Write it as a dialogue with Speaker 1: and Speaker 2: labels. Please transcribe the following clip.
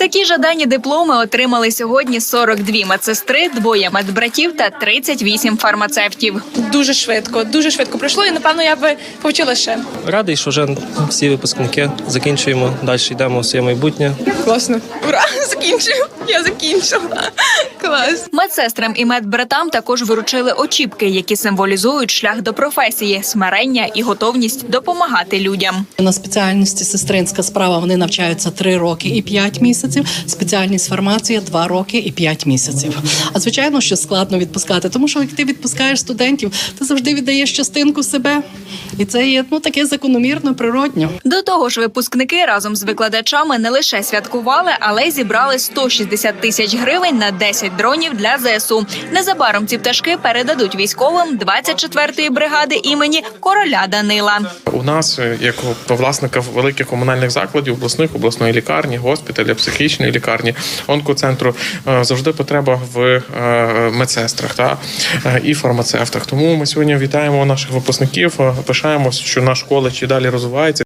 Speaker 1: Такі жадані дипломи отримали сьогодні 42 медсестри, 2 медбратів та 38 фармацевтів.
Speaker 2: Дуже швидко пройшло, і, напевно, я би повчила ще.
Speaker 3: Радий, що вже всі випускники закінчуємо, далі йдемо в своє майбутнє.
Speaker 2: Класно. Ура! Закінчую! Я закінчила. Клас.
Speaker 1: Медсестрам і медбратам також вручили очіпки, які символізують шлях до професії, смирення і готовність допомагати людям.
Speaker 4: На спеціальності сестринська справа вони навчаються 3 роки і 5 місяців, спеціальність фармація 2 роки і 5 місяців. А звичайно, що складно відпускати, тому що як ти відпускаєш студентів, ти завжди віддаєш частинку себе. І це є таке закономірно, природньо.
Speaker 1: До того ж, випускники разом з викладачами не лише святкували, але й зібрали 160 тисяч гривень на 10 дронів для ЗСУ. Незабаром ці пташки передадуть військовим 24-ї бригади імені короля Данила.
Speaker 5: У нас, як власника великих комунальних закладів, обласної лікарні, госпіталя, психічної лікарні, онкоцентру, завжди потреба в медсестрах і фармацевтах. Тому ми сьогодні вітаємо наших випускників, пишаємося, що наш коледж і далі розвивається.